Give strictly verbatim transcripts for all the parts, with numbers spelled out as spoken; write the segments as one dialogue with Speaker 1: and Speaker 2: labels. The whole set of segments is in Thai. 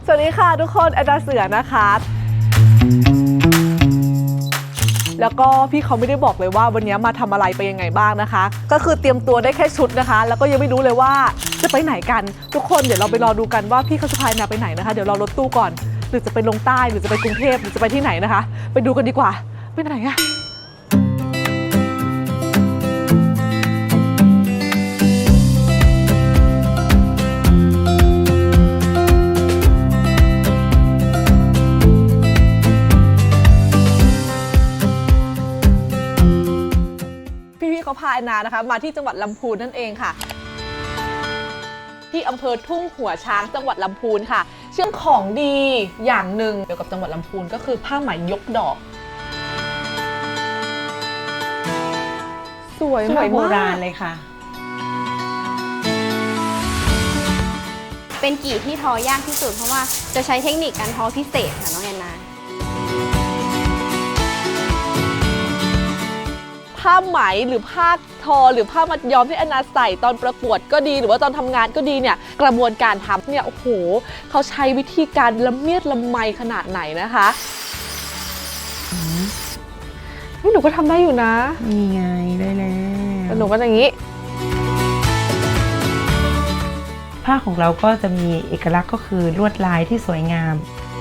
Speaker 1: สวัสดีค่ะทุกคนแอนนาเสือนะคะแล้วก็พี่เขาไม่ได้บอกเลยว่าวันนี้มาทำอะไรไปยังไงบ้างนะคะก็คือเตรียมตัวได้แค่ชุดนะคะแล้วก็ยังไม่รู้เลยว่าจะไปไหนกันทุกคนเดี๋ยวเราไปรอดูกันว่าพี่เขาจะพาแอนนาไปไหนนะคะเดี๋ยวรอรถตู้ก่อนหรือจะไปลงใต้หรือจะไปกรุงเทพหรือจะไปที่ไหนนะคะไปดูกันดีกว่าไปไหนอะเขาพาแอนนานะคะมาที่จังหวัดลำพูนนั่นเองค่ะที่อำเภอทุ่งหัวช้างจังหวัดลำพูนค่ะเชื่องของดีอย่างหนึ่งเกี่ยวกับจังหวัดลำพูนก็คือผ้าไหมยกดอกสวยสวยโบราณเลยค่ะ
Speaker 2: เป็นกี่ที่ทอยากที่สุดเพราะว่าจะใช้เทคนิคการทอพิเศษค่ะน้องแอนนา
Speaker 1: ผ้าไหมหรือผ้าทอหรือผ้ามัดย้อมที่แอนนาใส่ตอนประกวดก็ดีหรือว่าตอนทำงานก็ดีเนี่ยกระบวนการทำเนี่ยโอ้โหเขาใช้วิธีการละเมียดละไมขนาดไหนนะคะหนูก็ทำได้อยู่นะ
Speaker 3: นี่ไงได้แล้ว
Speaker 1: หนูก็อย่างนี้
Speaker 3: ผ้าของเราก็จะมีเอกลักษณ์ก็คือลวดลายที่สวยงาม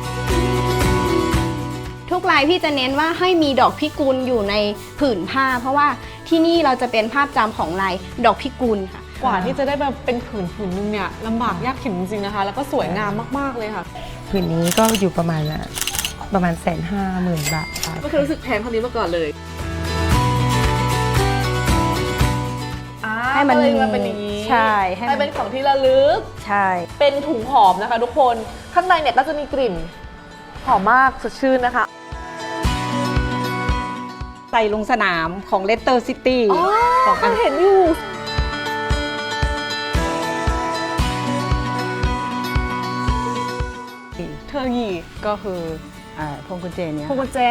Speaker 2: ทุกลายพี่จะเน้นว่าให้มีดอกพิกุลอยู่ในผืนผ้าเพราะว่าที่นี่เราจะเป็นภาพจำของลายดอกพิกุลค่ะ
Speaker 1: กว่าที่จะได้มาเป็นผืนผืนนึงเนี่ยลำบากยากเข็ญจริงๆนะคะแล้วก็สวยงามมากๆเลยค่ะ
Speaker 3: ผืนนี้ก็อยู่ประมาณประมาณแสนห้าหมื่นบาท
Speaker 1: ก็คือรู้สึกแพงเท่านี้มาก่อนเลยให้มันมาเป็นอย่างนี้
Speaker 3: ใช่
Speaker 1: ให้เป็นของที่ระลึก
Speaker 3: ใช่
Speaker 1: เป็นถุงหอมนะคะทุกคนข้างในเนี่ยก็จะมีกลิ่นหอมมากสดชื่นนะคะ
Speaker 3: ใส่ลงสนามของเลสเตอร์ซิตี้
Speaker 1: ของอันเห็นอยู่เธอหยี
Speaker 3: ก็คือพวงกุญแจเนี่ย
Speaker 1: พวงกุญแจ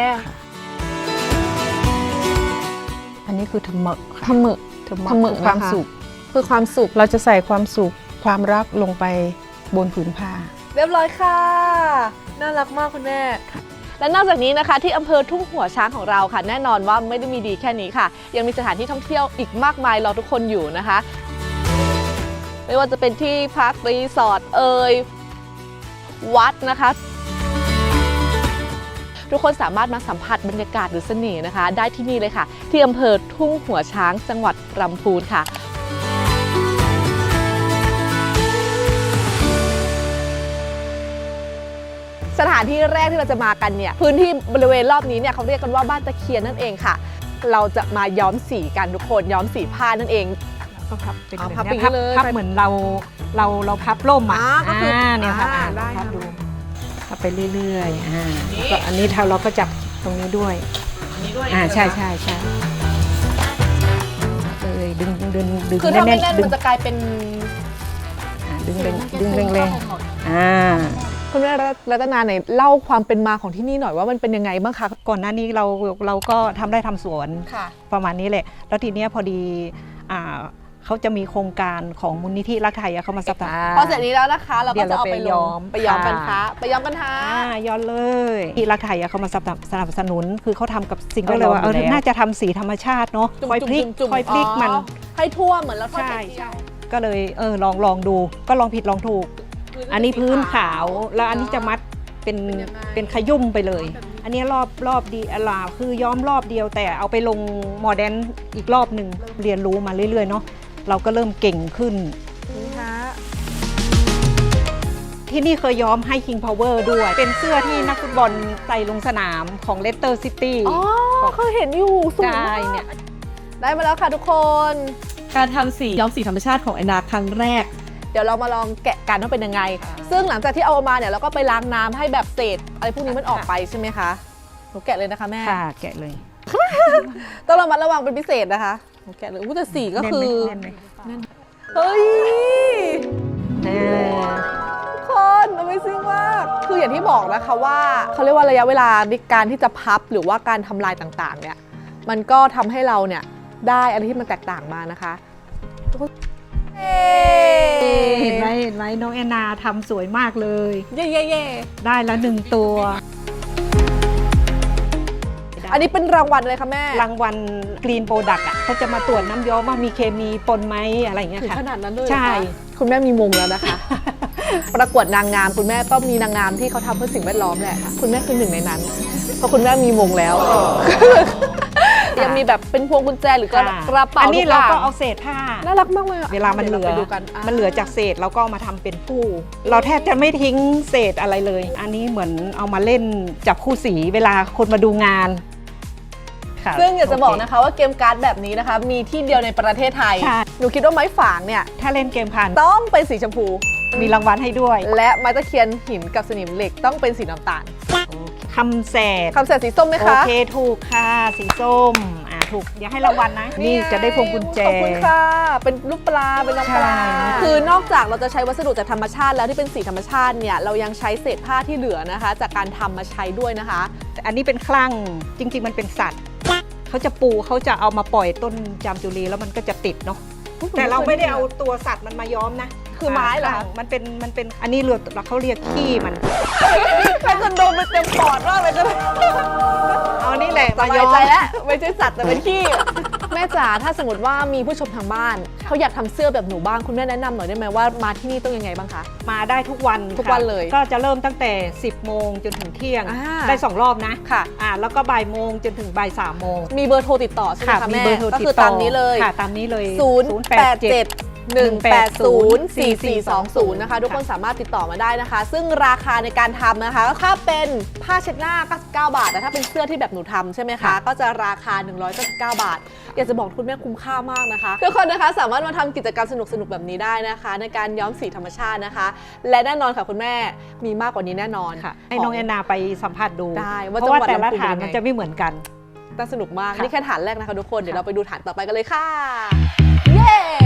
Speaker 3: อันนี้คือทำเมะ
Speaker 1: ทำเมะ
Speaker 3: ทำเมะความสุข
Speaker 1: คือความสุข
Speaker 3: เราจะใส่ความสุขความรักลงไปบนผืนผ้า
Speaker 1: เรียบร้อยค่ะน่ารักมากคุณแม่และนอกจากนี้นะคะที่อำเภอทุ่งหัวช้างของเราค่ะแน่นอนว่าไม่ได้มีดีแค่นี้ค่ะยังมีสถานที่ท่องเที่ยวอีกมากมายรอทุกคนอยู่นะคะไม่ว่าจะเป็นที่พักรีสอร์ทเอ่ยวัดนะคะทุกคนสามารถมาสัมผัสบรรยากาศหรือเสน่ห์นะคะได้ที่นี่เลยค่ะที่อำเภอทุ่งหัวช้างจังหวัดลำพูนค่ะสถานที่แรกที่เราจะมากันเนี่ยพื้นที่บริเวณรอบนี้เนี่ยเขาเรียกกันว่าบ้านตะเคียนนั่นเองค่ะเราจะมาย้อมสีกันทุกคนย้อมสีผ้านั่นเอง
Speaker 3: ก็พับเป็น
Speaker 1: พับไป
Speaker 3: เลยพับเหมือนเราเราเราพับร่มอ่ะ
Speaker 1: ก็คือ
Speaker 3: เนี่ยค่ะพับดูพับไปเรื่อยๆอ่าก็อันนี้เราก็จับตรงนี้ด้วยอ่าใช่ใช่ใช่เลยดึงดึงดึง
Speaker 1: คือถ้าไม่แน่นมันจะกลายเป็น
Speaker 3: ดึงดึงดึงแรงๆอ่า
Speaker 1: คุณแม่รัตนาไหนเล่าความเป็นมาของที่นี่หน่อยว่ามันเป็นยังไงบ้างคะ
Speaker 3: ก่อนหน้านี้เราเราก็ทำได้ทำสวนประมาณนี้แหละแล้วทีเนี้ยพอดีอ่าเขาจะมีโครงการของมูลนิธิรักไทยเขามาสนับสนุน
Speaker 1: พอเสร็จนี้แล้วนะคะเราก็จะเอาไปย้อมไปย้อมกันคะไปย้อมกันคะ
Speaker 3: ย้อมเลยที่รักไทยเขามาสนับสนุนคือเขาทำกับสิ่งก็เลยว่าเออน่าจะทำสีธรรมชาติเนาะคอยพลิกคอยพลิกมัน
Speaker 1: ให้ทั่วเหมือนเราทอดไข่เจียว
Speaker 3: ก็เลยเออลองลองดูก็ลองผิดลองถูกอันนี้พื้นขาวแล้วอันนี้จะมัดเป็นเป็นขยุ่มไปเลยอันนี้รอบรอบดีอลาคือย้อมรอบเดียวแต่เอาไปลงโมเดร์นอีกรอบหนึ่งเรียนรู้มาเรื่อยๆเนาะเราก็เริ่มเก่งขึ้นที่นี่เคยย้อมให้ King Power ด้วยเป็นเสื้อที่นักฟุตบอลใส่ลงสนามของเลสเตอร์ซิตี้
Speaker 1: อ๋อเคยเห็นอยู่สวยมากเนี่ยได้มาแล้วค่ะทุกคนการทำสีย้อมสีธรรมชาติของแอนนาครั้งแรกเดี๋ยวเรามาลองแกะกันว่าเป็นยังไงซึ่งหลังจากที่เอามาเนี่ยเราก็ไปล้างน้ำให้แบบเศษอะไรพวกนี้มันออกไปใช่ไหมคะหนูแกะเลยนะคะแม่
Speaker 3: ค่ะแกะเลย
Speaker 1: ต้องระมัดระวังเป็นพิเศษนะคะหนูแกะเลยอู้แต่สีก็คือเฮ้ยทุกคน Amazing มากคืออย่างที่บอกนะคะว่าเขาเรียกว่าระยะเวลาในการที่จะพับหรือว่าการทำลายต่างๆเนี่ยมันก็ทำให้เราเนี่ยได้อะไรที่มันแตกต่างมานะคะ
Speaker 3: เห็นไหมเห็นไหมน้องแอนนาทำสวยมากเลย
Speaker 1: เย่เย่เย่
Speaker 3: ได้แล้วหนึ่งตัว
Speaker 1: อันนี้เป็นรางวัลอะไรคะแม่
Speaker 3: รางวัลกรีนโปรดักต์อ่ะเขาจะมาตรวจน้ำย้อมว่ามีเคมีปนไหมอะไรอย่างเงี้ย
Speaker 1: ถึง
Speaker 3: ค่ะ
Speaker 1: ขนาดนั้นเลย
Speaker 3: ใช่
Speaker 1: เหรอคะคุณแม่มีมงแล้วนะคะ ประกวดนางงามคุณแม่ก็มีนางงามที่เขาทำเพื่อสิ่งแวดล้อมแหละคุณแม่คือหนึ่งในนั้น เพราะคุณแม่มีมงแล้ว ยังมีแบบเป็นพวงกุญแจหรือกระกระเป๋า
Speaker 3: อันนี้
Speaker 1: ทุ
Speaker 3: เรา
Speaker 1: ย่ง
Speaker 3: ก็เอาเศษผ้า
Speaker 1: น่ารักมากเลยอะ
Speaker 3: เวลามันเหลือ
Speaker 1: ดี๋ยวราไปดูกัน
Speaker 3: มันเหลือจากเศษเราก็เอามาทำเป็นผู้ เราแทบจะไม่ทิ้งเศษอะไรเลย อันนี้เหมือนเอามาเล่นจับคู่สีเวลาคนมาดูงานค่ะ
Speaker 1: ซึ่งอยากจะบอก
Speaker 3: โเค
Speaker 1: นะคะว่าเกมการ์ดแบบนี้นะคะ มีที่เดียวในประเทศไทย
Speaker 3: ใช่
Speaker 1: หนูคิดว่าไม้ฝางเนี่ย
Speaker 3: ถ้าเล่นเกมผ่าน
Speaker 1: ต้องเป็นสีชมพู
Speaker 3: มีรางวัลให้ด้วย
Speaker 1: และไม้ตะเคียนหินกับสนิมเหล็กต้องเป็นสีน้ำตาล
Speaker 3: คำแสด
Speaker 1: คำแสดสีส้มไหม
Speaker 3: โอ
Speaker 1: คะ
Speaker 3: เคถูกค่ะสีส้มอ่าถูกอย่าให้รางวัลนะ นี่จะได้พวงกุญแจ
Speaker 1: ขอบคุณค่ะ เป็นรูปปลา เป็นน้องปลา
Speaker 3: ใช่
Speaker 1: คือนอกจากเราจะใช้วัสดุจากธรรมชาติแล้วที่เป็นสีธรรมชาติเนี่ย เรายังใช้เศษผ้าที่เหลือนะคะ จากการทำมาใช้ด้วยนะคะ
Speaker 3: อันนี้เป็นคลั่งจริง ๆ มันเป็นสัตว์เขาจะปูเขาจะเอามาปล่อยต้นจามจุรีแล้วมันก็จะติดเนาะแต่เราไม่ได้เอาตัวสัตว์มันมาย้อมนะ
Speaker 1: คือไม้เหรอ
Speaker 3: ค่ะมันเป็นมันเป็นอันนี้เรือเขาเรียกขี้มัน
Speaker 1: ใครจะโดนไปเต็มปอดมากเลยก็เลย
Speaker 3: เอานี่แหละ
Speaker 1: ส
Speaker 3: มา
Speaker 1: บาย
Speaker 3: ย้อม
Speaker 1: ใจแล้วไม่ใช่สัตว์แต่เป็นขี้ แม่จ๋าถ้าสมมติว่ามีผู้ชมทางบ้านเขาอยากทำเสื้อแบบหนูบ้างคุณแม่แนะนำหน่อยได้ไหมว่ามาที่นี่ต้องยังไงบ้างคะ
Speaker 3: มาได้ทุกวัน
Speaker 1: ทุก
Speaker 3: ค่ะ
Speaker 1: วันเลย
Speaker 3: ก็จะเริ่มตั้งแต่ สิบโมงจนถึงเที่ยง
Speaker 1: อ่า
Speaker 3: ได้สองรอบนะ
Speaker 1: ค่ะ
Speaker 3: อ่าแล้วก็บ่ายโมงจนถึงบ่ายสามโมง
Speaker 1: มีเบอร์โทรติดต่อใช่ไหม
Speaker 3: ค่ะ
Speaker 1: คะ
Speaker 3: มี
Speaker 1: แม่
Speaker 3: เบอร์โทร
Speaker 1: ก็
Speaker 3: ติด
Speaker 1: คือ
Speaker 3: ต่อ
Speaker 1: ตามนี้เลย
Speaker 3: ค่ะตามนี้เลย
Speaker 1: ศูนย์ แปด เจ็ด หนึ่ง แปด ศูนย์ สี่ สี่ สอง ศูนย์ นะคะ ทุกคนสามารถติดต่อมาได้นะคะ ซึ่งราคาในการทำนะคะถ้าเป็นผ้าเช็ดหน้าเก้าสิบเก้าบาทแต่ถ้าเป็นเสื้อที่แบบหนูทำใช่ไหมคะ ก็จะราคาหนึ่งร้อยเก้าสิบเก้าบาท อยากจะบอกคุณแม่คุ้มค่ามากนะคะทุกคนนะคะสามารถมาทำกิจกรรมสนุกๆแบบนี้ได้นะคะ ในการย้อมสีธรรมชาตินะคะ และแน่นอนค่ะคุณแม่มีมากกว่านี้แน่นอน
Speaker 3: ค่ะให้น้องแอนนาไปสัมผัสดู
Speaker 1: ได้ว่า
Speaker 3: เพราะว่า
Speaker 1: จังหวัด
Speaker 3: แต่ละ
Speaker 1: ลำพูน
Speaker 3: ฐาน
Speaker 1: เป็นยังไง
Speaker 3: มันจะไม่เหมือนกัน
Speaker 1: น่าสนุกมาก
Speaker 3: ค่ะ
Speaker 1: นี่แค่ฐานแรกนะคะทุกคนเดี๋ยว
Speaker 3: ค่ะ
Speaker 1: เราไปดูฐานต่อไปกันเลยค่ะ เย้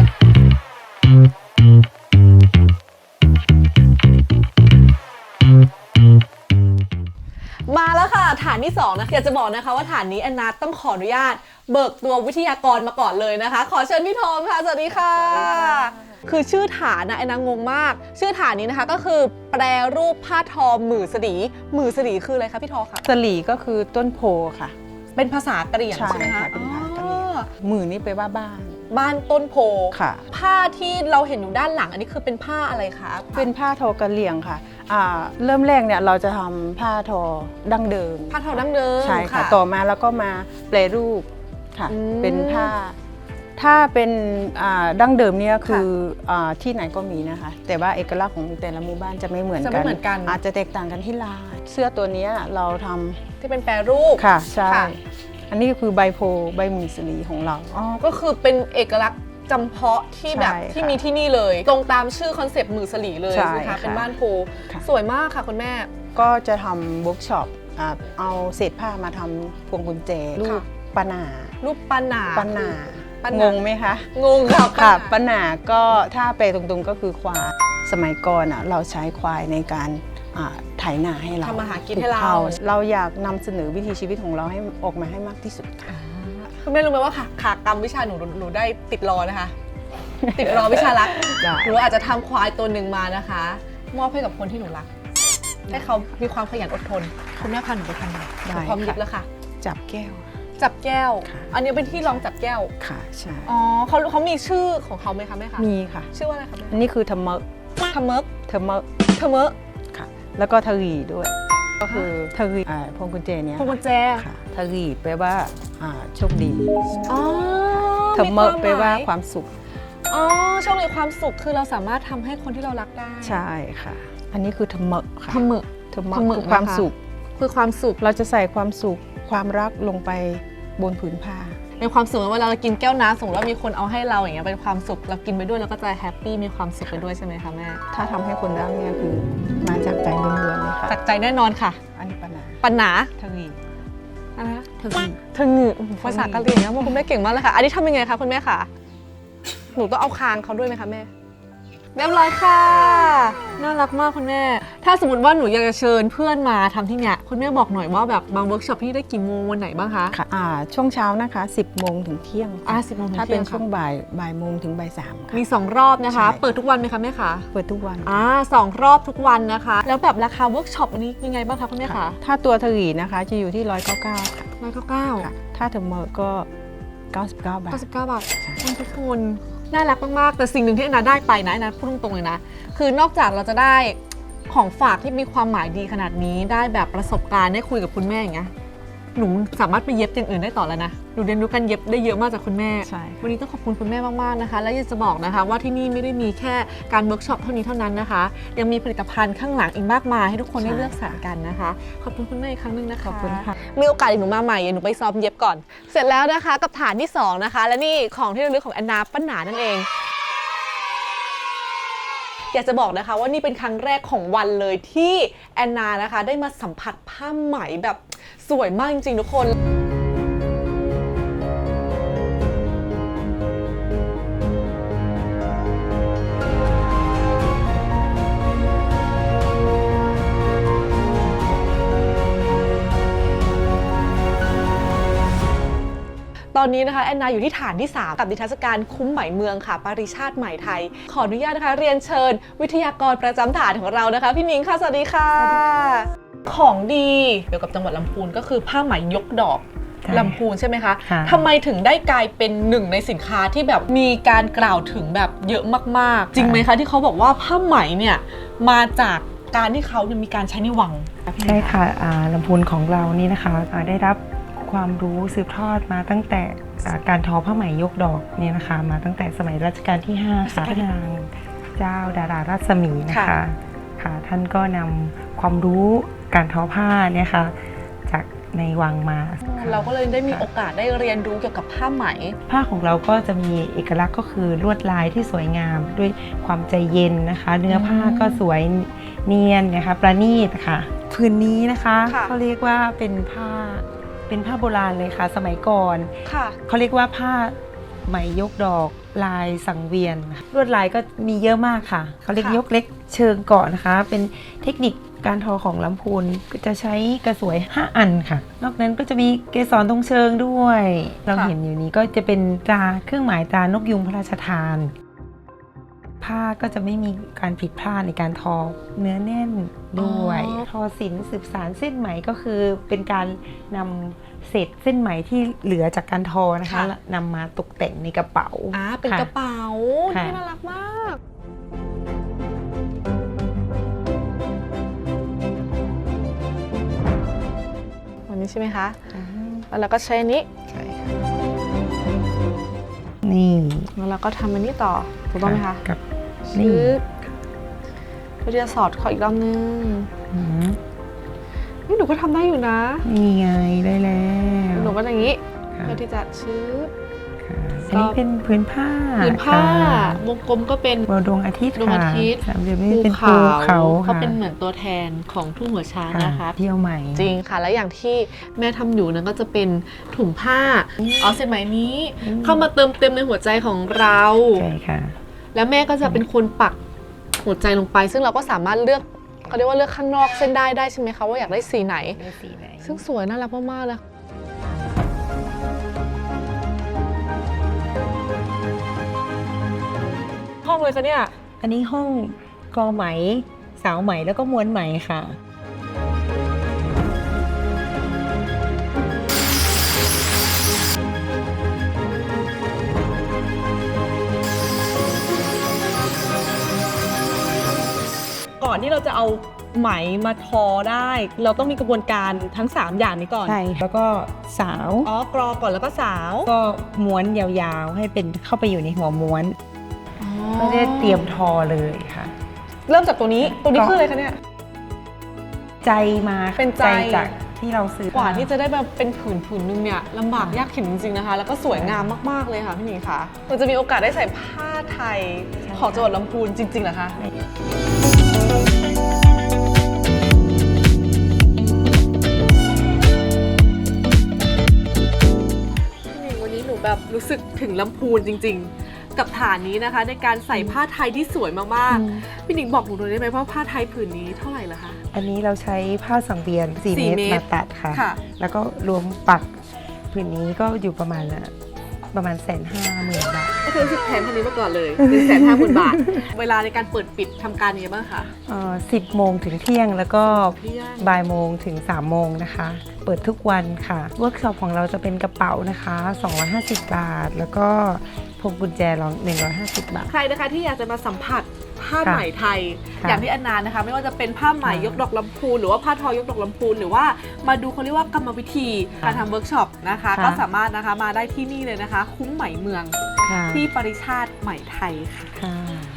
Speaker 1: มาแล้วค่ะฐานที่สองนะคะอยากจะบอกนะคะว่าฐานนี้แอนนาต้องขออนุญาตเบิกตัววิทยากรมาก่อนเลยนะคะ ขอเชิญพี่ทอมค่ะสวัสดีค่ะ คือชื่อฐานนะแอนนางงมาก ชื่อฐานนี้นะคะก็คือแปรรูปผ้าทอหมื่นสลีหมื่นสลีคืออะไรคะพี่ทอคะ
Speaker 4: สลีก็คือต้นโพค่ะ
Speaker 1: เป็นภาษากะเหรี่ยง
Speaker 4: ใช่
Speaker 1: ใช่ไหมคะ
Speaker 4: ค่ะเป็นภาษากะเหรี่ยง
Speaker 1: อ๋อ
Speaker 4: มือนี่ไปลว่าบ้าน
Speaker 1: บ้านต้นโพ
Speaker 4: ค่ะ
Speaker 1: ผ้าที่เราเห็นอยู่ด้านหลังอันนี้คือเป็นผ้าอะไรคะ
Speaker 4: เป็นผ้าทอกะเหรี่ยงค่ะอ่าเริ่มแรกเนี่ยเราจะทำผ้าทอดั้งเดิม
Speaker 1: ผ้าทอดั้งเดิม
Speaker 4: ใช่ค่ะต่อมาแล้วก็มาแปรรูปค่ะ
Speaker 1: อืม
Speaker 4: เป็นผ้า ถ้าเป็นอ่าดั้งเดิมเนี่ยคืออาที่ไหนก็มีนะคะ แต่ว่าเอกลักษณ์ของแต่ละหมู่บ้านจะไม่เหมือน
Speaker 1: จะ
Speaker 4: กั
Speaker 1: ไม่
Speaker 4: น
Speaker 1: เหมือนกัน
Speaker 4: อาจจะแตกต่างกันที่ลายเสื้อตัวเนี้ยเราทำ
Speaker 1: ที่เป็นแปรรูป
Speaker 4: ค่ะใช่
Speaker 1: ค่ะ
Speaker 4: อันนี้คือใบโพใบหมีสลีของเรา
Speaker 1: อ๋อก็คือเป็นเอกลักษณ์จำเพาะที่แบบ
Speaker 4: ใช่ค่ะ
Speaker 1: ที่มีที่นี่เลย ตรงตามชื่อคอนเซปต์มือสลีเลย
Speaker 4: ใช่
Speaker 1: ใช่ไหมคะ
Speaker 4: ค่ะ
Speaker 1: เป็นบ้านโพ
Speaker 4: ค่ะ
Speaker 1: สวยมากค่ะคุณแม่
Speaker 4: ก็จะทำเวิร์กช็อปอ่าเอาเศษผ้ามาทำพวงกุญแจรูปปะหนา
Speaker 1: รูปปันหนา
Speaker 4: ปะหนา
Speaker 1: ปะหนาง
Speaker 4: งไหมคะ
Speaker 1: งงค่ะ
Speaker 4: ค่ะ
Speaker 1: ปะ
Speaker 4: ปะหนาก็ถ้าไปตรงๆก็คือควายสมัยก่อนอ่ะเราใช้ควายในการอ่าไถนาให้เรา
Speaker 1: ทำมาหากินให้เรา
Speaker 4: ปลูกข้วเราอยากนำเสนอวิถีชีวิตของเราให้ออกมาให้มากที่สุดค่ะ
Speaker 1: คุณแม่รู้ไหมว่าค่ะขากรรมวิชาหนูหนูได้ติดรอนะคะ ติดรอวิชารัก
Speaker 4: ได้
Speaker 1: หนูอาจจะทำควายตัวหนึ่งมานะคะ มอบให้กับคนที่หนูรัก ให้เขามีความขยันอดทน คุณแม่พาหนูไปทำหน่อยหนูพร้อมยึดแล้วค่ะ
Speaker 4: จับแก้ว
Speaker 1: จับแก้ว
Speaker 4: ค่ะ
Speaker 1: อันนี้เป็นที่รองจับแก้ว
Speaker 4: ค่ะใช่
Speaker 1: อ๋อเขาเขามีชื่อของเขาไหมคะแม่คะ
Speaker 4: มีค่ะ
Speaker 1: ชื่อว่าอะไรคะแม่
Speaker 4: อันนี้คือทะเมะ
Speaker 1: ทะเมิก
Speaker 4: ทะเมะ
Speaker 1: ทะเมะ
Speaker 4: ค่ะ แล้วก็ทะรีด้วย ก็คือทะรีอ่าพวงกุญแจเนี้ย
Speaker 1: พวงกุญแจ
Speaker 4: ค่ะทะรีแปลว่าอ่าโชคดี
Speaker 1: อ๋อ
Speaker 4: ทะเมะแปลว่าความสุข
Speaker 1: อ๋อโชคดีความสุขคือเราสามารถทำให้คนที่เรารักได้
Speaker 4: ใช่ค่ะ อันนี้คือทะเมะค่ะ
Speaker 1: ทะเมะ
Speaker 4: ทะเมะ
Speaker 1: ทะเมะ
Speaker 4: คือความ
Speaker 1: นะคะ
Speaker 4: สุข
Speaker 1: คือความสุข
Speaker 4: เราจะใส่ความสุขความรักลงไปบนผืนผ้า
Speaker 1: ในความสุขเวลาเรากินแก้วน้ำสมมติว่ามีคนเอาให้เราอย่างเงี้ยเป็นความสุขเรากินไปด้วยเราก็จะแฮปปี้มีความสุขไปด้วยใช่ไหมคะแม่
Speaker 4: ถ้าทำให้คนรักเนี่ยคือมาจากใจล้วนๆเลยค่ะ
Speaker 1: จากใจแน่นอนค่ะ
Speaker 4: อันนี้ปัญหา
Speaker 1: ปัญหา
Speaker 4: ทะรี
Speaker 1: อะไรนะ
Speaker 4: ทะรี
Speaker 1: เธอหงือภาษากะเหรี่ยงนะคุณแม่เก่งมากเลยค่ะ อันนี้ทำยังไงคะคุณแม่คะหนูต้องเอาคางเขาด้วยไหมคะแม่เรียบร้อยค่ะ น่ารักมากคุณแม่ ถ้าสมมติว่าหนูอยากจะเชิญเพื่อนมาทำที่เนี้ยคุณแม่บอกหน่อยว่าแบบบางเวิร์กช็อปที่ได้กี่โมงวันไหนบ้างคะ
Speaker 4: ค่ะอ่าช่วงเช้านะคะสิบโมงถึงเที่ยง
Speaker 1: อ่าสิบโมงถึง
Speaker 4: ถ้า
Speaker 1: เที่
Speaker 4: เป็
Speaker 1: ย
Speaker 4: น
Speaker 1: ง
Speaker 4: ช่วงบ่ายบ่ายโมงถึงบ่ายสามค่ะ
Speaker 1: มีสองรอบนะคะ
Speaker 4: ใช่
Speaker 1: เปิดทุกวันไหมคะแม่คะ
Speaker 4: เปิดทุกวัน
Speaker 1: อ่าสองรอบทุกวันนะคะ แล้วแบบราคาเวิร์กช็อปอันนี้ยังไงบ้างคะคุณแม่คะ
Speaker 4: ถ้าตัวทรีนะคะจะอยู่ที่ร้อยเก้าเก้าค่ะ
Speaker 1: ร้อยเก้าเก้า
Speaker 4: ค่ะ ถ้าเทอร์โมก็เก้าสิบเก้าบาท
Speaker 1: เก้าสิบเก้าบาททุกคนน่ารักมากๆแต่สิ่งหนึ่งที่แอนนาได้ไปนะแอนนาพูดตรงๆเลยนะคือนอกจากเราจะได้ของฝากที่มีความหมายดีขนาดนี้ได้แบบประสบการณ์ได้คุยกับคุณแม่อย่างเงี้ยหนูสามารถไปเย็บอย่างอื่นได้ต่อแล้วนะหนูเรียนรู้การเย็บได้เยอะมากจากคุณแม่
Speaker 4: ใช่ค่ะ
Speaker 1: วันนี้ต้องขอบคุณคุณแม่มากๆนะคะและอยากจะบอกนะคะว่าที่นี่ไม่ได้มีแค่การเวิร์กช็อปเท่านี้เท่านั้นนะคะยังมีผลิตภัณฑ์ข้างหลังอีกมากมายให้ทุกคนได้เลือกสรรกันนะคะขอบคุณคุณแม่อีกครั้งหนึงนะคะ
Speaker 4: ขอบคุณค่ะ
Speaker 1: มีโอกาสอีกหนูมาใหม่หนูไปซ้อมเย็บก่อน เสร็จแล้วนะคะกับฐานที่สองนะคะและนี่ของที่ระลึกของแอนนาป้าหนานั่นเอง อยากจะบอกนะคะว่านี่เป็นครั้งแรกของวันเลยที่แอนนานะคะได้มาสัมผัสผ้าไหมแบบสวยมากจริงๆทุกคน ตอนนี้นะคะแอนนาอยู่ที่ฐานที่ สาม กับนิทรรศการคุ้มไหมเมืองค่ะปริชาติไหมไทย ขออนุญาตนะคะเรียนเชิญวิทยากรประจำฐานของเรานะคะพี่นิ้งค่ะสวัสดีค่ะ ของดีเกี่ยวกับจังหวัดลำพูนก็คือผ้าไหมยกดอก
Speaker 5: ใช่
Speaker 1: ลำพูนใช่ไหมคะ
Speaker 5: ค่ะ
Speaker 1: ทำไมถึงได้กลายเป็นหนึ่งในสินค้าที่แบบมีการกล่าวถึงแบบเยอะมากๆ จริงไหมคะที่เขาบอกว่าผ้าไหมเนี่ยมาจากการที่เขาเนี่ยมีการใช้ในวัง
Speaker 5: ใช่ค่ะอ่าลำพูนของเรานี่นะคะอ่าได้รับความรู้สืบทอดมาตั้งแต่อ่าการทอผ้าไหมยกดอกเนี่ยนะคะมาตั้งแต่สมัยรัชกาลที่ห้าค่ะพระนางเจ้าดารารัศมีนะคะ
Speaker 1: ค่ะ
Speaker 5: ค่ะท่านก็นำความรู้การทอผ้าเนี่ยค่ะจากในวังมา
Speaker 1: เราก็เลยได้มีโอกาสได้เรียนรู้เกี่ยวกับผ้าไหม
Speaker 5: ผ้าของเราก็จะมีเอกลักษณ์ก็คือลวดลายที่สวยงามด้วยความใจเย็นนะคะ เนื้อผ้าก็สวยเนียนนะคะประณีตค่ะผืนนี้นะคะ
Speaker 1: ค่ะ
Speaker 5: เขาเรียกว่าเป็นผ้าเป็นผ้าโบราณเลยค่ะ สมัยก่อน
Speaker 1: ค่ะ
Speaker 5: เขาเรียกว่าผ้าไหมยกดอกลายสังเวียนลวดลายก็มีเยอะมากค่ะเขาเรียก
Speaker 1: ค่ะ
Speaker 5: ยกเล็กเชิงเกาะนะคะ เป็นเทคนิคการทอของลำพูนก็จะใช้กระสวยห้าอันค่ะ นอกนั้นก็จะมีเกสรตรงเชิงด้วย เราเห็นอยู่นี้ก็จะเป็นตราเครื่องหมายตรานกยุงพระราชทาน ผ้าก็จะไม่มีการผิดพลาดในการทอเนื้อแน่นด้วย
Speaker 1: อ๋อ
Speaker 5: ทอศิลป์สืบสานเส้นไหมก็คือเป็นการนำเศษเส้นไหมที่เหลือจากการทอนะคะนำมาตกแต่งในกระเป๋า
Speaker 1: อ่าเป็น
Speaker 5: ค่
Speaker 1: กระเป๋า
Speaker 5: ค่ะ
Speaker 1: ที่น่ารักมาก วันนี้ใช่ไหมคะ
Speaker 5: อ่า
Speaker 1: แล้วเราก็ใช้อันนี้
Speaker 5: ใช่ค่ะนี่
Speaker 1: แล้วเราก็ทำอันนี้ต่อ ถูกต้องไหมคะ
Speaker 5: กับ
Speaker 1: ชื
Speaker 5: นี่
Speaker 1: ดเพื่อที่จะสอดขออีกรอบนึง
Speaker 5: อืม
Speaker 1: นี่หนูก็ทำได้อยู่นะ
Speaker 5: นี่ไงได้แล้ว
Speaker 1: หนูก็อย่างนี้
Speaker 5: ค่ะ
Speaker 1: เพื่อที่จะชืด
Speaker 5: ค่ะอันนี้เป็นพื้นผ้า
Speaker 1: ผืนผ้า
Speaker 5: ค่ะ
Speaker 1: วงกลมก็เป็น
Speaker 5: ดวงอาทิตย์
Speaker 1: ดวงอา
Speaker 5: ค่ะ
Speaker 1: ทิตย์
Speaker 5: สามเหลี่ยมนี่เป็นภูเขา
Speaker 1: เขา
Speaker 5: ค่ะ
Speaker 1: เป็นเหมือนตัวแทนของทุ่งหัวช้างนะคะ
Speaker 5: เที่ยวใหม่
Speaker 1: จริงค่ะ และอย่างที่แม่ทำอยู่นั้นก็จะเป็นถุงผ้าเอาเส้นไหมนี้
Speaker 5: อืม
Speaker 1: เข้ามาเติมเต็มในหัวใจของเรา
Speaker 5: ใช่ค่ะ
Speaker 1: แล้วแม่ก็จะเป็นคนปักหัวใจลงไป ซึ่งเราก็สามารถเลือกเขาเรียกว่าเลือกข้างนอกเส้นได้ได้ใช่ไหมคะว่าอยากได้สีไหน ซึ่งสวยน่ารักมากๆเลยห้องเลยคะเนี่ย
Speaker 5: อันนี้ห้องกอไหม สาวไหมแล้วก็ม้วนไหมค่ะ
Speaker 1: ก่อนที่เราจะเอาไหมมาทอได้ เราต้องมีกระบวนการทั้งสามอย่างนี้ก่อน
Speaker 5: ใช่ แล้วก็สาว
Speaker 1: อ๋อกรอก่อนแล้วก็สาว
Speaker 5: ก็ม้วนยาวๆ ให้เป็นเข้าไปอยู่ในหัวม้วนก็ได้เตรียมทอเลยค่ะ
Speaker 1: เริ่มจากตัวนี้ตัวนี้คืออะไรคะเนี่ย
Speaker 5: ใจมาค่ะ
Speaker 1: เป็นใจ
Speaker 5: จากที่เราซื้อก
Speaker 1: ว่าที่จะได้แบบเป็นผืนผืนนึงเนี่ยลำบากยากเข็ญจริงๆนะคะ แล้วก็สวยงามมากๆเลยค่ะพี่หนิงคะเราจะมีโอกาสได้ใส่ผ้าไทยของจังหวัดลำพูนจริงๆเหรอคะพี่หนิงวันนี้หนูแบบรู้สึกถึงลำพูนจริงๆกับฐานนี้นะคะ ในการใส่ผ้าไทยที่สวยมากๆพี่หนิงบอกหนูหน่อยได้ไหมว่าผ้าไทยผืนนี้เท่าไหร่ละคะ
Speaker 5: อันนี้เราใช้ผ้าสังเวียนสี่
Speaker 1: สี่
Speaker 5: เมตร
Speaker 1: เมตร
Speaker 5: มาตัดค่ะ
Speaker 1: ค่ะ
Speaker 5: แล้วก็รวมปักผืนนี้ก็อยู่ประมาณน่ะประมาณแสนห้าหมื่นบาท
Speaker 1: ก็คือสิบแผนพันนี้มาก่อนเลยหนึ่งแสนห้าหมื่นบาท เวลาในการเปิดปิดทำการยังไงบ้างคะ
Speaker 5: สิบโมงถึงเที่ยงแล้วก็
Speaker 1: เที่ยง
Speaker 5: บ่ายโมงถึงสามโมงนะคะ เปิดทุกวันค่ะเวิร์กช็อปของเราจะเป็นกระเป๋านะคะสองร้อยห้าสิบบาท แล้วก็พวงกุญแจเราหนึ่งร้อยห้าสิบบาท
Speaker 1: ใครนะคะที่อยากจะมาสัมผัสผ้า
Speaker 5: ค่ะ
Speaker 1: ไหมไทย
Speaker 5: ค่ะ
Speaker 1: อย่างที่อนนานะคะ ไม่ว่าจะเป็นผ้าไหม
Speaker 5: ค่ะ
Speaker 1: ยกดอกลำพูนหรือว่าผ้าทอยกดอกลำพูนหรือว่ามาดูเขาเรียกว่ากรรมวิธีการทำเวิร์กช็อปนะคะ
Speaker 5: ค่ะ
Speaker 1: ก็สามารถนะคะมาได้ที่นี่เลยนะคะ คุ้มไหมเมือง
Speaker 5: ค่ะ
Speaker 1: ที่ปริชาติไหมไทยค่ะ
Speaker 5: ค่ะ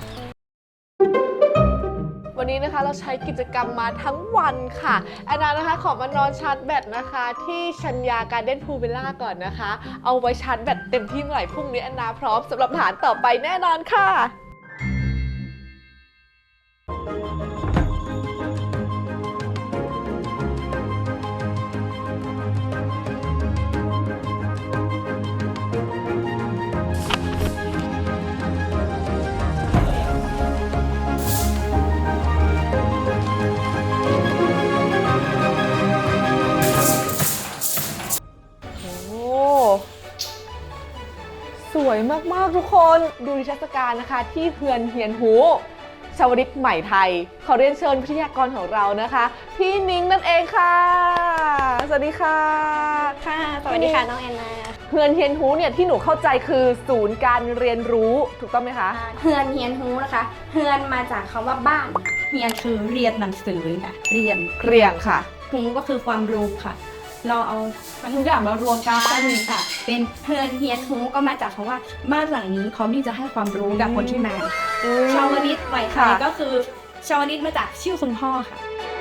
Speaker 1: วันนี้นะคะเราใช้กิจกรรมมาทั้งวันค่ะแอนนานะคะขอมานอนชาร์จแบตนะคะ ที่ชัญญาการ์เด้นพูลวิลล่าก่อนนะคะ เอาไว้ชาร์จแบตเต็มที่เมื่อไหร่พรุ่งนี้แอนนาพร้อมสำหรับฐานต่อไปแน่นอนค่ะ โอ้สวยมากๆทุกคนดูนิทรรศการนะคะ ที่เฮือนเฮียนหูชาวริตใหม่ไทย ขอเรียนเชิญวิทยากรของเรานะคะ พี่นิ้งนั่นเองค่ะ สวัสดีค่ะ
Speaker 2: ค่ะ สวัสดีค่ะน้องแอนนา
Speaker 1: เฮือนเฮียนหูเนี่ยที่หนูเข้าใจคือศูนย์การเรียนรู้ถูกต้องไหมคะ
Speaker 2: เฮือนเฮียนฮูนะคะ เฮือนมาจากคำว่าบ้าน เฮียนคือเรียนหนังสือค่ะ เรียน
Speaker 1: เรียงค่ะ
Speaker 2: ฮูก็คือความรู้ค่ะ เราเอาทุกอย่างมารวมกันค่ะ เป็นเฮือนเฮียนฮูก็มาจากคำว่าบ้านหลังนี้พร้อมที่จะให้ความรู้กับคนที่มา ชาวนิตใหม่ไทย
Speaker 1: ค่ะ
Speaker 2: ก็คือชาวนิตมาจากชื่อคุณพ่อค่ะ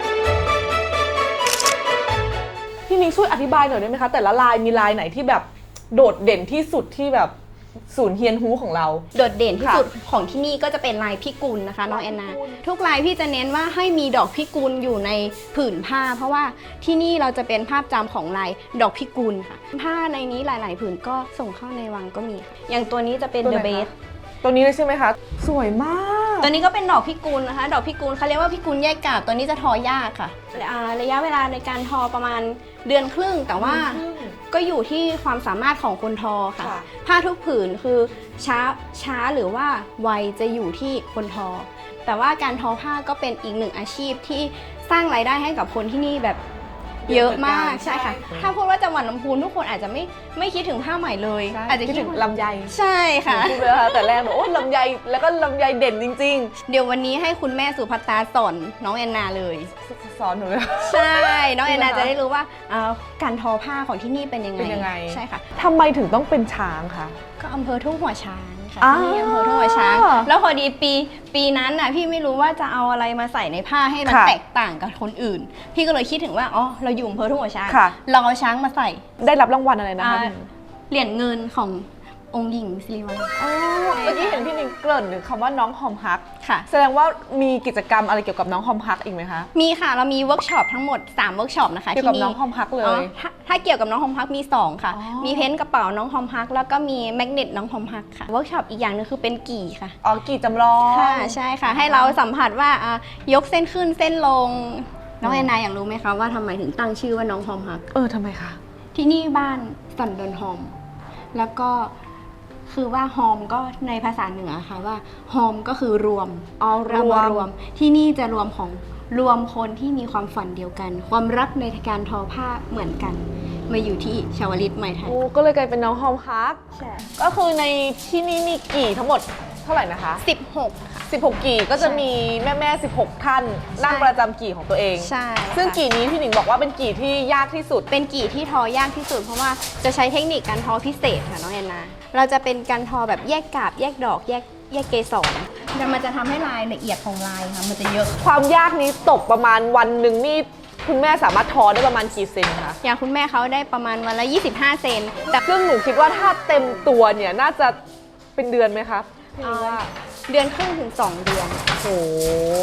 Speaker 1: พี่นิ้งช่วยอธิบายหน่อยได้ไหมคะ แต่ละลายมีลายไหนที่แบบโดดเด่นที่สุดที่แบบศูนย์เฮียนฮูของเรา
Speaker 2: โดดเด่นที่
Speaker 1: ค่ะ
Speaker 2: สุดของที่นี่ก็จะเป็นลายพิกุลนะคะน้องแอนนา
Speaker 1: พิกุล
Speaker 2: ทุกลายพี่จะเน้นว่าให้มีดอกพิกุลอยู่ในผืนผ้า เพราะว่าที่นี่เราจะเป็นภาพจำของลายดอกพิกุลค่ะ ผ้าในนี้หลาย ๆ ผืนก็ส่งเข้าในวังก็มีค่ะอย่างตัวนี้จะเป็น
Speaker 1: ตัว
Speaker 2: เด
Speaker 1: ไหน
Speaker 2: อะเบ
Speaker 1: คะ
Speaker 2: ส
Speaker 1: ตัวนี้เลยใช่ไหมคะ สวยมาก
Speaker 2: ตัวนี้ก็เป็นดอกพิกุลนะคะ ดอกพิกุลเขาเรียกว่าพิกุลแยกกาบตัวนี้จะทอยากค่ะอ่าระยะเวลาในการทอประมาณเดือนครึ่ง แต่ว่าก็อยู่ที่ความสามารถของคนทอค่ะ
Speaker 1: ค่ะ
Speaker 2: ผ้าทุกผืนคือช้าช้าหรือว่าไวจะอยู่ที่คนทอ แต่ว่าการทอผ้าก็เป็นอีกหนึ่งอาชีพที่สร้างรายได้ให้กับคนที่นี่แบบเยอะมากใช่ค่ะ ถ้าพูดว่าจังหวัดลำพูนทุกคนอาจจะไม่ไม่คิดถึงผ้าไหมเลย อาจจะ
Speaker 1: คิดถึงลำไย
Speaker 2: ใช่ค่ะ
Speaker 1: พูดไปแล้วค่ะแต่แรกบอกโอ้ลำไยแล้วก็ลำไยเด่นจริง
Speaker 2: เดี๋ยววันนี้ให้คุณแม่สุภัตตาสอนน้องแอนนาเลย
Speaker 1: ๆ สอนหนูเลย
Speaker 2: ใช่ น้องแอนนา
Speaker 1: จริงเหรอคะ
Speaker 2: จะได้รู้ว่าเอ่อการทอผ้าของที่นี่เป็นยังไง
Speaker 1: เป็นยังไง
Speaker 2: ใช่ค่ะ
Speaker 1: ทำไมถึงต้องเป็นช้างคะ
Speaker 2: ก็อำเภอทุ่งหัวช้างค่ะ
Speaker 1: อ้าว
Speaker 2: ที่อำเภอทุ่งหัวช้าง แล้วพอดีปีปีนั้นน่ะพี่ไม่รู้ว่าจะเอาอะไรมาใส่ในผ้าให้มัน
Speaker 1: ค่ะ
Speaker 2: แตกต่างกับคนอื่น พี่ก็เลยคิดถึงว่าอ๋อเราอยู่อำเภอทุ่งหัวช้าง
Speaker 1: ค่ะ
Speaker 2: เราเอาช้างมาใส่
Speaker 1: ได้รับรางวัลอะไรนะคะ
Speaker 2: อ่า เหรียญเงินขององค์หญิงสิริวัลย์
Speaker 1: อ๋อเมื่อกี้เห็นพี่นิงเกริ่นถึงคำว่าน้องหอมฮัก
Speaker 2: ค่ะ
Speaker 1: แสดงว่ามีกิจกรรมอะไรเกี่ยวกับน้องหอมฮักอีกไหมคะ
Speaker 2: มีค่ะเรามีเวิร์กช็อปทั้งหมดสามเวิร์กช็อปนะคะ
Speaker 1: เกี่ยวกับ
Speaker 2: ที่
Speaker 1: น้องหอมฮักเล
Speaker 2: อ๋อย ถ้าถ้าเกี่ยวกับน้องฮอมฮักมีสองค่ะ
Speaker 1: อ๋อ
Speaker 2: มีเพ้นท์กระเป๋าน้องฮอมฮักแล้วก็มีแมกเนตน้องฮอมฮักค่ะเวิร์กช็อปอีกอย่างหนึงคือเป็นกี่ค่ะ
Speaker 1: อ๋อกี่จำลอง
Speaker 2: ค่ะใช่ค่ะ ให้เราสัมผัสว่าอ่ะยกเส้นขึ้นเส้นลง น้องแอนนาอยากรู้ไหมคะว่าทำไมถึงตั้งชื่อว่าน้องฮอมฮัก
Speaker 1: เออทำไมคะ
Speaker 2: ที่นี่บ้านสันดอนฮอม แล้วก็คือว่าฮอมก็ในภาษาเหนือค่ะว่าฮอมก็คือรวม
Speaker 1: อ๋อร
Speaker 2: เรา
Speaker 1: ว
Speaker 2: มาม รวมที่นี่จะรวมของรวมคนที่มีความฝันเดียวกัน ความรักในการทอผ้าเหมือนกัน มาอยู่ที่ชาวลิตใหม่ไทย
Speaker 1: โอ้ก็เลยกลายเป็นน้องหอมฮัก
Speaker 2: ใช่
Speaker 1: ก็คือในที่นี่มีกี่ทั้งหมดเท่าไหร่นะคะ
Speaker 2: สิบหกค่ะ
Speaker 1: สิบหกกี่ก็จะมีแม่แม่ๆสิบหกท่านนั่งประจำกี่ของตัวเอง
Speaker 2: ใช่
Speaker 1: ซึ่ง
Speaker 2: ค่ะ
Speaker 1: กี่นี้พี่หนิงบอกว่าเป็นกี่ที่ยากที่สุด
Speaker 2: เป็นกี่ที่ทอยากที่สุด เพราะว่าจะใช้เทคนิคการทอพิเศษค่ะน้องแอนนา เราจะเป็นการทอแบบแยกกาบ แยกดอก แยกแยกเกสรแต่มันจะทำให้ลายละเอียดของลายค่ะมันจะเยอะ
Speaker 1: ความยากนี้ตกประมาณวันหนึ่งนี่คุณแม่สามารถทอได้ประมาณกี่เซนคะ
Speaker 2: อย่างคุณแม่เขาได้ประมาณวันละยี่สิบห้าเซนแต่
Speaker 1: ซึ่งหนูคิดว่าถ้าเต็มตัวเนี่ยน่าจะเป็นเดือนไหมคะพี่
Speaker 2: เอ่อ
Speaker 1: ว่า
Speaker 2: เดือนครึ่งถึงสองเดือน
Speaker 1: โห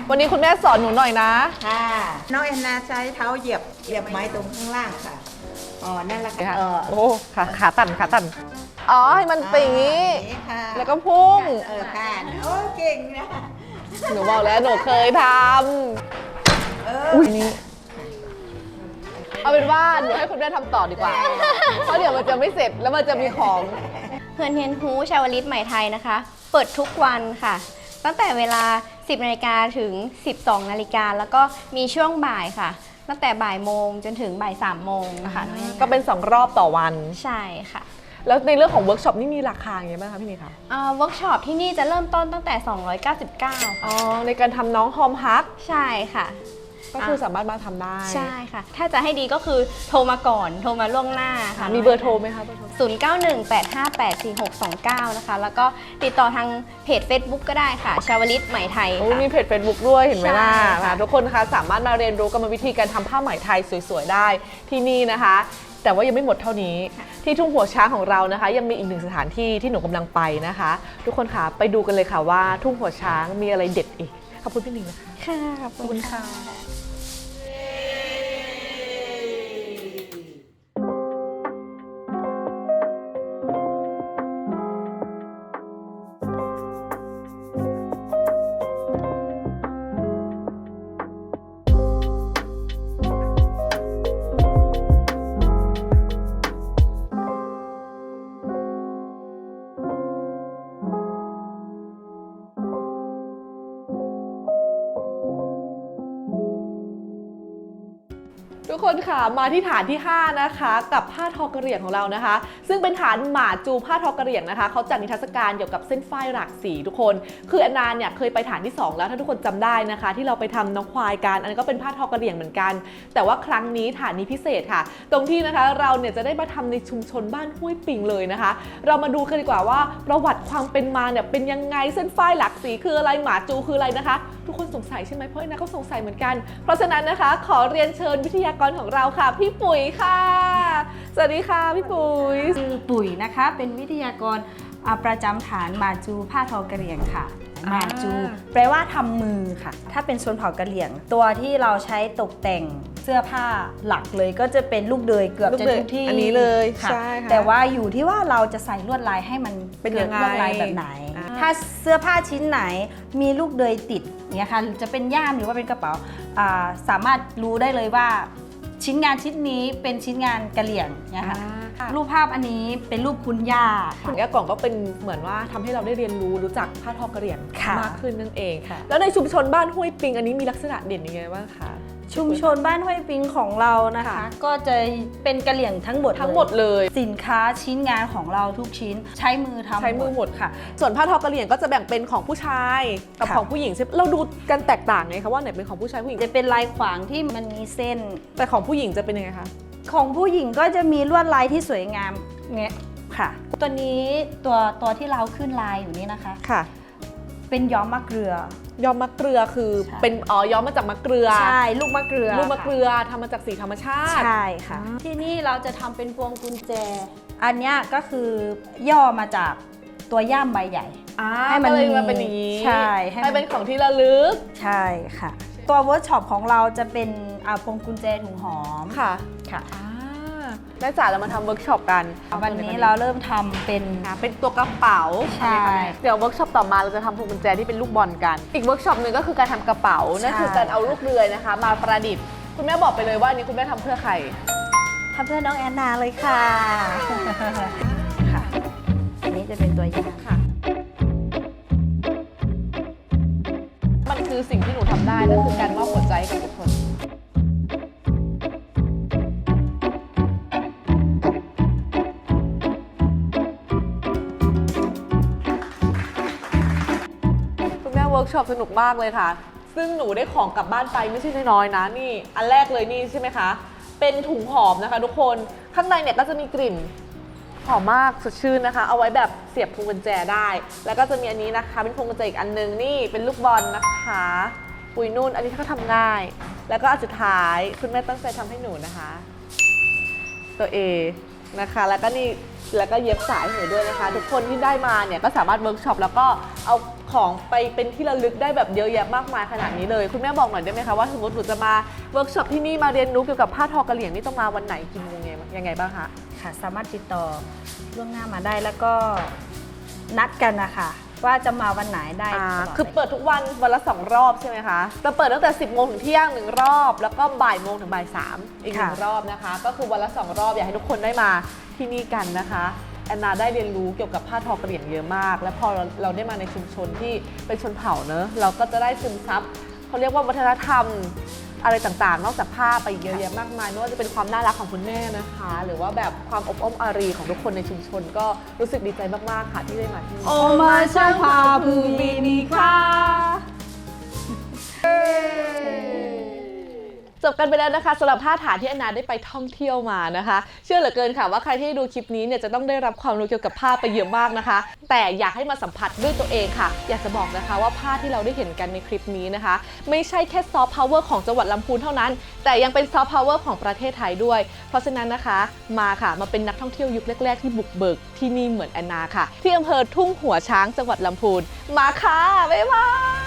Speaker 1: วันนี้คุณแม่สอนหนูหน่อยนะ
Speaker 6: ค่ะน้องแอนนาใช้เท้าเหยียบเหยียบไม้ตรงข้างล่างค่ะอ๋อนั่นแหละค่ะเออ
Speaker 1: โอ้ขาขาตันขาตันอ๋อให้มันเป็นอย่างนี้
Speaker 6: นี้ค่ะ
Speaker 1: แล้วก็พุ่ง
Speaker 6: เออค่ะโอ้เก่งนะ
Speaker 1: หนูบอกแล้วหนูเคยท
Speaker 6: เออ
Speaker 1: ำอุ้ยนี่เอาเป็นว่าหนูให้คุณแม่ทำต่อดีกว่า เพราะเดี๋ยวมันจะไม่เสร็จแล้วมันจะมีของ
Speaker 2: เพื่อนเฮียนฮูชาวลิตใหม่ไทยนะคะ เปิดทุกวันค่ะ ตั้งแต่เวลา สิบนาฬิกาถึง สิบสองนาฬิกาแล้วก็มีช่วงบ่ายค่ะ ตั้งแต่บ่ายโมงจนถึงบ่ายสามโมงนะคะน้องแอนนา
Speaker 1: ก็เป็นสองรอบต่อวัน
Speaker 2: ใช่ค่ะ
Speaker 1: แล้วในเรื่องของเวิร์กช็อปนี่มีราคาอย่างไรบ้างคะพี่นี่คะ
Speaker 2: เวิร์กช็อปที่นี่จะเริ่มต้นตั้งแต่ สองร้อยเก้าสิบเก้า
Speaker 1: อ๋อในการทำน้องฮอมฮัก
Speaker 2: ใช่ค่ะ
Speaker 1: ก็คือสามารถมาทำได้
Speaker 2: ใช่ค่ะ ถ้าจะให้ดีก็คือโทรมาก่อน โทรมาล่วงหน้าค่ะ
Speaker 1: มีเบอร์โทรไหมคะเบอร์โทร
Speaker 2: ศูนย์ เก้า หนึ่ง แปด ห้า แปด สี่ หก สอง เก้า นะคะ แล้วก็ติดต่อทางเพจ Facebook ก็ได้ค่ะ ชาวลิตไหมไทย
Speaker 1: โอ้
Speaker 2: ค่ะ
Speaker 1: มีเพจ Facebook ด้วยเห็นไหมล่ะ
Speaker 2: ใช่ค่ะ
Speaker 1: ทุกคนนะคะสามารถมาเรียนรู้กรรมวิธีการทำผ้าไหมไทยสวยๆได้ที่นี่นะคะ แต่ว่ายังไม่หมดเท่านี้ ที่ทุ่งหัวช้างของเรานะคะ ยังมีอีกหนึ่งสถานที่ที่หนูกำลังไปนะคะ ทุกคนค่ะไปดูกันเลยค่ะว่าทุ่งหัวช้างมีอะไรเด็ดอีกขอบคุณพี่หนิงนะคะ
Speaker 2: ค่ะขอบคุณค่ะ
Speaker 1: ทุกคนค่ะมาที่ฐานที่ห้านะคะกับผ้าทอกระเหรี่ยงของเรานะคะ ซึ่งเป็นฐานหมาจูผ้าทอกระเหรี่ยงนะคะเขาจัดนิทรรศการเกี่ยวกับเส้นฝ้ายหลากสีทุกคนคือแอนนาเนี่ยเคยไปฐานที่สองแล้วถ้าทุกคนจำได้นะคะ ที่เราไปทำน้องควายกันอันนี้ก็เป็นผ้าทอกระเหรี่ยงเหมือนกัน แต่ว่าครั้งนี้ฐานนี้พิเศษค่ะ ตรงที่นะคะเราเนี่ยจะได้มาทำในชุมชนบ้านห้วยปิงเลยนะคะ เรามาดูกันดีกว่าว่าประวัติความเป็นมาเนี่ยเป็นยังไงเส้นฝ้ายหลากสีคืออะไรหมาจูคืออะไรนะคะ ทุกคนสงสัยใช่ไหมเพราะแอนนาก็สงสัยเหมือนกัน เพราะฉะนั้นนะคะขอเรียนเชิญวิทยากรของเราค่ะพี่ปุ๋ยค่ะ สวัสดีค่ะพี่ปุ๋ย
Speaker 7: คือปุ๋ยนะคะเป็นวิทยากรอ่าประจำฐานมาจูผ้าทอกะเหรี่ยงค่ะ
Speaker 1: อ่า
Speaker 7: มาจู แปลว่าทำมือค่ะ ถ้าเป็นชนเผ่ากะเหรี่ยง ตัวที่เราใช้ตกแต่งเสื้อผ้าหลักเลยก็จะเป็นลูกเดยเกือบจะทุกที่
Speaker 1: อันนี้เลย
Speaker 7: ค่ะ
Speaker 1: ใช่ค่ะ
Speaker 7: แต่ว่าอยู่ที่ว่าเราจะใส่ลวดลายให้มัน
Speaker 1: เป็น
Speaker 7: กิ
Speaker 1: ยั
Speaker 7: ด
Speaker 1: งไง
Speaker 7: ลวดลายแบบไหน
Speaker 1: อ่า
Speaker 7: ถ้าเสื้อผ้าชิ้นไหนมีลูกเดยติดเนี่ยค่ะจะเป็นย่ามหรือว่าเป็นกระเป๋าอ่าสามารถรู้ได้เลยว่าชิ้นงานชิ้นนี้เป็นชิ้นงานกะเหรี่ยงเนี่ยค่ะ
Speaker 1: ค่ะ
Speaker 7: รูปภาพอันนี้เป็นรูปคุณย่าค่ะ
Speaker 1: แก้วกล่องก็เป็นเหมือนว่าทำให้เราได้เรียนรู้รู้จักผ้าทอกระเหรี่ยง
Speaker 7: ค่ะ
Speaker 1: มากขึ้นนั่นเอง
Speaker 7: ค่ะ
Speaker 1: แล้วในชุมชนบ้านห้วยปิงอันนี้มีลักษณะเด่นยังไงบ้างคะ
Speaker 7: ชุมชนบ้านห้วยปิงของเรานะคะ
Speaker 1: ค่ะ
Speaker 7: ก็จะเป็นกะเหรี่ยงทั้งหมด
Speaker 1: ทั้งหมดเลย
Speaker 7: สินค้าชิ้นงานของเราทุกชิ้นใช้มือทำ
Speaker 1: ใช้มือหมด
Speaker 7: ค่ะ
Speaker 1: ส่วนผ้าทอกระเหรี่ยงก็จะแบ่งเป็นของผู้ชายกับ
Speaker 7: ค่ะ
Speaker 1: ของผู้หญิงใช่ไหมเราดูกันแตกต่างไงคะว่าไหนเป็นของผู้ชายผู้หญิง
Speaker 7: จะเป็นลายขวางที่มันมีเส้น
Speaker 1: แต่ของผู้หญิงจะเป็นยังไงคะ
Speaker 7: ของผู้หญิงก็จะมีลวดลายที่สวยงามเนี่ยค่ะ ตัวนี้ตัวตัวที่เราขึ้นลายอยู่นี่นะคะ
Speaker 1: ค่ะ
Speaker 7: เป็นย้อมมะเกลือ
Speaker 1: ย้อมมะเกลือคือ
Speaker 7: ใช่
Speaker 1: เป็นอ๋อย้อมมาจากมะเกลือ
Speaker 7: ใช่ลูกมะเกลือ
Speaker 1: ลูกมะเกลื
Speaker 7: ค่
Speaker 1: อทำมาจากสีธรรมชาติ
Speaker 7: ใช่ค่ะ ที่นี่เราจะทำเป็นพวงกุญแจ อันเนี้ยก็คือย่อมาจากตัวย่ามใบใหญ่
Speaker 1: อ่า
Speaker 7: ให้มัน
Speaker 1: ก็เลย
Speaker 7: มี
Speaker 1: มาเป็นอย่างนี้
Speaker 7: ใช่ให้มัน
Speaker 1: ให้เป็นของที่ระลึก
Speaker 7: ใช่ค่ะ ตัวเวิร์กช็อปของเราจะเป็นอ่าพวงกุญแจถุงหอม
Speaker 1: ค่ะ
Speaker 7: ค่ะ
Speaker 1: อ่าได้จ่าเรามาทำเวิร์กช็อปกัน
Speaker 7: วันนี้เราเริ่มทำเป็น
Speaker 1: อ่าเป็นตัวกระเป๋า
Speaker 7: ใช่
Speaker 1: ไหมคะแม่เดี๋ยวเวิร์กช็อปต่อมาเราจะทำพวงกุญแจที่เป็นลูกบอลกัน อีกเวิร์กช็อปหนึ่งก็คือการทำกระเป๋า นั่นคือการเอาลูกเรือนะคะ มาประดิษฐ์ คุณแม่บอกไปเลยว่าอันนี้คุณแม่ทำเพื่อใคร
Speaker 7: ทำเพื่อน้องแอนนาเลยค่ะ ค่ะ อันนี้จะเป็นตัวอย่าง
Speaker 1: ค่ะ มันคือสิ่งที่หนูทำได้นั่นคือการมอบหัวใจให้กับทุกคน คุณแม่เวิร์กช็อปสนุกมากเลยค่ะ ซึ่งหนูได้ของกลับบ้านไปไม่ใช่น้อยๆนะนี่ อันแรกเลยนี่ใช่ไหมคะ เป็นถุงหอมนะคะทุกคน ข้างในเนี่ยก็จะมีกลิ่นหอมมากสดชื่นนะคะ เอาไว้แบบเสียบพวงกุญแจได้ แล้วก็จะมีอันนี้นะคะเป็นพวงกุญแจอีกอันนึงนี่เป็นลูกบอลนะคะปุยนุ่นอันนี้ก็ทำง่าย แล้วก็อันสุดท้ายคุณแม่ตั้งใจทำให้หนูนะคะ ตัว A นะคะ แล้วก็นี่แล้วก็เย็บสายให้หนูด้วยนะคะ ทุกคนที่ได้มาเนี่ยก็สามารถเวิร์กช็อปแล้วก็เอาของไปเป็นที่ระลึกได้แบบเยอะแยะมากมายขนาดนี้เลยคุณแม่บอกหน่อยได้ไหมคะว่าสมมติหนูจะมาเวิร์กช็อปที่นี่มาเรียนรู้เกี่ยวกับผ้าทอกะเหรี่ยงนี่ต้องมาวันไหนกี่โมงยังไงบ้างคะ
Speaker 7: ค่ะสามารถติดต่อล่วงหน้ามาได้แล้วก็นัดกันนะคะว่าจะมาวันไหนได้
Speaker 1: อ่า
Speaker 7: ตลอด
Speaker 1: คือเปิดทุกวันวันละสองรอบใช่ไหมคะจะเปิดตั้งแต่สิบโมงถึงเที่ยงหนึ่งรอบแล้วก็บ่ายโมงถึงบ่ายสามอีกหนึ่งรอบนะคะก็คือวันละสองรอบอยากให้ทุกคนได้มาที่นี่กันนะคะแอนนาได้เรียนรู้เกี่ยวกับผ้าทอกะเหรี่ยงเยอะมาก และพอเราเราได้มาในชุมชนที่เป็นชนเผ่าเนอะเราก็จะได้ซึมซับเขาเรียกว่าวัฒนธรรมอะไรต่างๆ นอกจากผ้าไปเยอะแยะมากมายไม่ว่าจะเป็นความน่ารักของคุณแม่นะคะ หรือว่าแบบความอบอ้อมอารีของทุกคนในชุมชนก็รู้สึกดีใจมากๆค่ะที่ได้มาที่นี่
Speaker 2: โอมาช่างพาภูมินีค่ะ
Speaker 1: จบกันไปแล้วนะคะสำหรับท่าฐานที่แอนนาได้ไปท่องเที่ยวมานะคะ เชื่อเหลือเกินค่ะว่าใครที่ดูคลิปนี้เนี่ยจะต้องได้รับความรู้เกี่ยวกับผ้าไปเยอะมากนะคะ แต่อยากให้มาสัมผัสด้วยตัวเองค่ะ อยากจะบอกนะคะว่าผ้าที่เราได้เห็นกันในคลิปนี้นะคะ ไม่ใช่แค่ซอฟต์พาวเวอร์ของจังหวัดลำพูนเท่านั้น แต่ยังเป็นซอฟต์พาวเวอร์ของประเทศไทยด้วย เพราะฉะนั้นนะคะมาค่ะมาเป็นนักท่องเที่ยวยุคแรกๆที่บุกเบิกที่นี่เหมือนแอนนาค่ะที่อำเภอทุ่งหัวช้างจังหวัดลำพูนมาค่ะบ๊ายบาย